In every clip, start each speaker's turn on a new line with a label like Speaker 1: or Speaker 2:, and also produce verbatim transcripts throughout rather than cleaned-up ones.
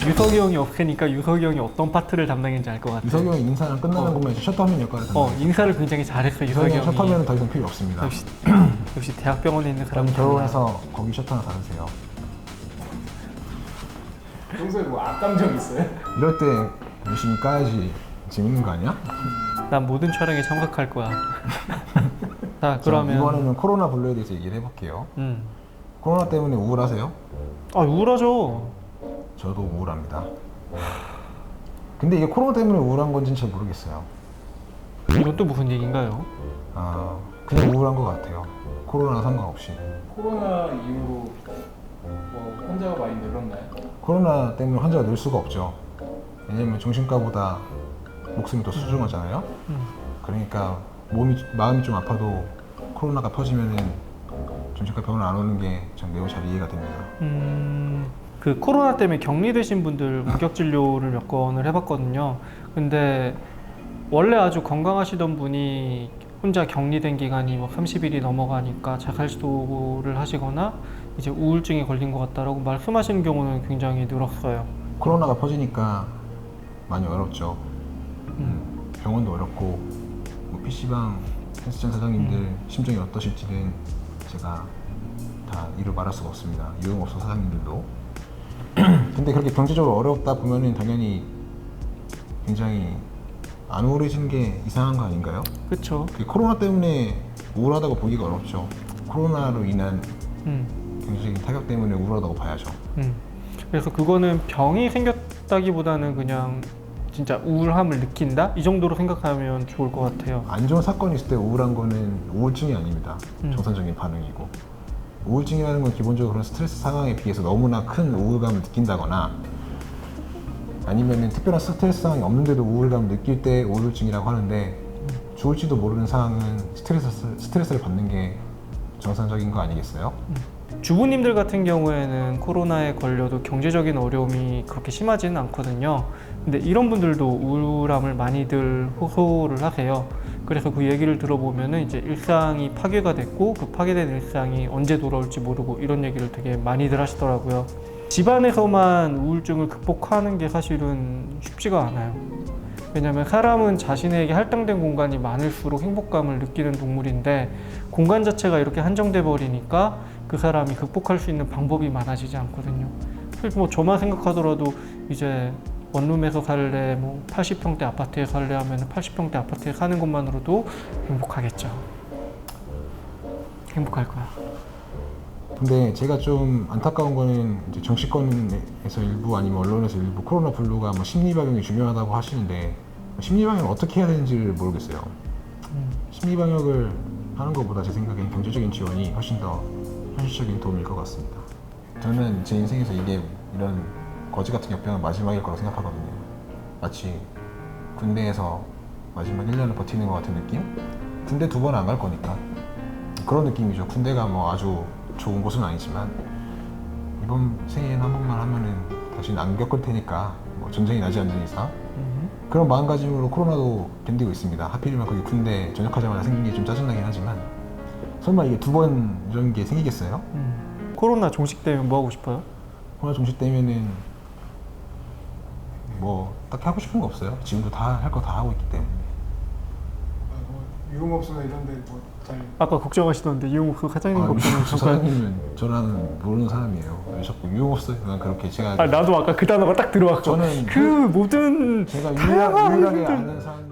Speaker 1: 유석이 형이 없으니까 유석이 형이 어떤 파트를 담당했는지 알 것 같아.
Speaker 2: 유석이 형이 인사는 끝나는
Speaker 1: 어.
Speaker 2: 것만 이제 셔터맨 역할을
Speaker 1: 어,
Speaker 2: 담당해요.
Speaker 1: 인사를 굉장히 잘했어 유석이
Speaker 2: 유석이 형
Speaker 1: 형이.
Speaker 2: 셔터맨은 더 이상 필요 없습니다.
Speaker 1: 역시 역시 대학병원에 있는
Speaker 2: 그럼
Speaker 1: 사람은
Speaker 2: 결혼해서 거기 셔터 하나 달으세요.
Speaker 3: 평소에 뭐 악감정 있어요?
Speaker 2: 이럴 때 열심히 까야지 재밌는 거 아니야?
Speaker 1: 난 모든 촬영에 참석할 거야. 자
Speaker 2: 자,
Speaker 1: 그러면
Speaker 2: 이번에는 코로나 블루에 대해서 얘기를 해볼게요.
Speaker 1: 음.
Speaker 2: 코로나 때문에 우울하세요?
Speaker 1: 아 우울하죠.
Speaker 2: 저도 우울합니다. 근데 이게 코로나 때문에 우울한 건지는 잘 모르겠어요.
Speaker 1: 이건 또 무슨 얘기인가요?
Speaker 2: 아, 그냥 우울한 것 같아요. 코로나 상관없이.
Speaker 3: 코로나 이후로 뭐 환자가 많이 늘었나요?
Speaker 2: 코로나 때문에 환자가 늘 수가 없죠. 왜냐면 정신과보다 목숨이 더 소중하잖아요.
Speaker 1: 음.
Speaker 2: 그러니까 몸이 마음이 좀 아파도 코로나가 퍼지면은 정신과 병원 안 오는 게 전 매우 잘 이해가 됩니다.
Speaker 1: 음, 그 코로나 때문에 격리되신 분들 원격 진료를 몇 건을 해봤거든요. 근데 원래 아주 건강하시던 분이 혼자 격리된 기간이 뭐 삼십 일이 넘어가니까 자살 시도를 하시거나 이제 우울증에 걸린 것 같다라고 말씀하시는 경우는 굉장히 늘었어요.
Speaker 2: 코로나가 퍼지니까 많이 어렵죠.
Speaker 1: 음.
Speaker 2: 병원도 어렵고 뭐 피시방 헬스장 사장님들
Speaker 1: 음.
Speaker 2: 심정이 어떠실지는 제가 다 이루 말할 수가 없습니다. 유흥업소 사장님들도. 근데 그렇게 경제적으로 어렵다 보면은 당연히 굉장히 안 우울해지는 게 이상한 거 아닌가요?
Speaker 1: 그렇죠.
Speaker 2: 그 코로나 때문에 우울하다고 보기가 어렵죠. 코로나로 인한
Speaker 1: 음.
Speaker 2: 경제적인 타격 때문에 우울하다고 봐야죠.
Speaker 1: 음. 그래서 그거는 병이 생겼다기보다는 그냥 진짜 우울함을 느낀다? 이 정도로 생각하면 좋을 것 같아요.
Speaker 2: 안 좋은 사건이 있을 때 우울한 거는 우울증이 아닙니다.
Speaker 1: 음.
Speaker 2: 정상적인 반응이고. 우울증이라는 건 기본적으로 그런 스트레스 상황에 비해서 너무나 큰 우울감을 느낀다거나 아니면은 특별한 스트레스 상황이 없는데도 우울감을 느낄 때 우울증이라고 하는데 좋을지도 모르는 상황은 스트레스, 스트레스를 받는 게 정상적인 거 아니겠어요?
Speaker 1: 주부님들 같은 경우에는 코로나에 걸려도 경제적인 어려움이 그렇게 심하지는 않거든요. 근데 이런 분들도 우울함을 많이들 호소를 하세요. 그래서 그 얘기를 들어보면은 이제 일상이 파괴가 됐고 그 파괴된 일상이 언제 돌아올지 모르고 이런 얘기를 되게 많이들 하시더라고요. 집안에서만 우울증을 극복하는 게 사실은 쉽지가 않아요. 왜냐면 사람은 자신에게 할당된 공간이 많을수록 행복감을 느끼는 동물인데 공간 자체가 이렇게 한정돼 버리니까 그 사람이 극복할 수 있는 방법이 많아지지 않거든요. 그래서 뭐 저만 생각하더라도 이제 원룸에서 살래, 뭐 팔십 평대 아파트에 살래 하면 팔십 평대 아파트에 사는 것만으로도 행복하겠죠. 행복할 거야.
Speaker 2: 근데 제가 좀 안타까운 거는 이제 정치권에서 일부 아니면 언론에서 일부 코로나 블루가 뭐 심리방역이 중요하다고 하시는데 심리방역을 어떻게 해야 되는지를 모르겠어요.
Speaker 1: 음.
Speaker 2: 심리방역을 하는 것보다 제 생각엔 경제적인 지원이 훨씬 더 현실적인 도움일 것 같습니다. 저는 제 인생에서 이게 이런 거지 같은 역병은 마지막일 거라고 생각하거든요. 마치 군대에서 마지막 일 년을 버티는 것 같은 느낌? 군대 두 번 안 갈 거니까 그런 느낌이죠. 군대가 뭐 아주 좋은 곳은 아니지만 이번 생에는 한 번만 하면은 다시는 안 겪을 테니까 뭐 전쟁이 나지 않는 이상
Speaker 1: 음.
Speaker 2: 그런 마음가짐으로 코로나도 견디고 있습니다. 하필이면 거기 군대 전역하자마자 생긴 게 좀 짜증나긴 하지만 설마 이게 두 번 이런 게 생기겠어요?
Speaker 1: 음. 코로나 종식되면 뭐 하고 싶어요?
Speaker 2: 코로나 종식되면은 뭐 딱히 하고 싶은 거 없어요. 지금도 다 할 거 다 하고 있기 때문에.
Speaker 3: 뭐 유흥업소나 이런 데뭐 잘
Speaker 1: 아까 걱정하시던데 이용욱 사장님
Speaker 2: 아,
Speaker 1: 걱정을
Speaker 2: 저
Speaker 1: 잠깐.
Speaker 2: 사장님은 저랑 모르는 사람이에요. 왜 자꾸 유흥업소에 난 그렇게 제가
Speaker 1: 아 나도 아까 그 단어가 딱 들어왔고
Speaker 2: 저는
Speaker 1: 그 모든
Speaker 2: 제가
Speaker 1: 다양한
Speaker 2: 유일하, 유일하게
Speaker 1: 분들.
Speaker 2: 아는 사람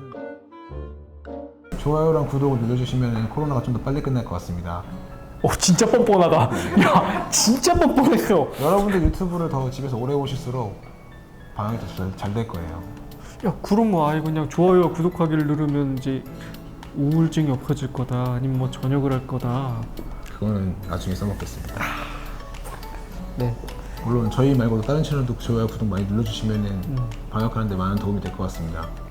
Speaker 2: 좋아요랑 구독을 눌러주시면 코로나가 좀 더 빨리 끝날 것 같습니다.
Speaker 1: 오 진짜 뻔뻔하다. 야 진짜 뻔뻔했어.
Speaker 2: 여러분들 유튜브를 더 집에서 오래 보실수록 방향이 더 잘 될 거예요.
Speaker 1: 야 그럼 뭐 아예 그냥 좋아요와 구독하기를 누르면 이제 우울증이 없어질 거다 아니면 뭐 전역을 할 거다.
Speaker 2: 그거는 나중에 써먹겠습니다.
Speaker 1: 네.
Speaker 2: 물론 저희 말고도 다른 채널도 좋아요 구독 많이 눌러주시면
Speaker 1: 음.
Speaker 2: 방역하는 데 많은 도움이 될 것 같습니다.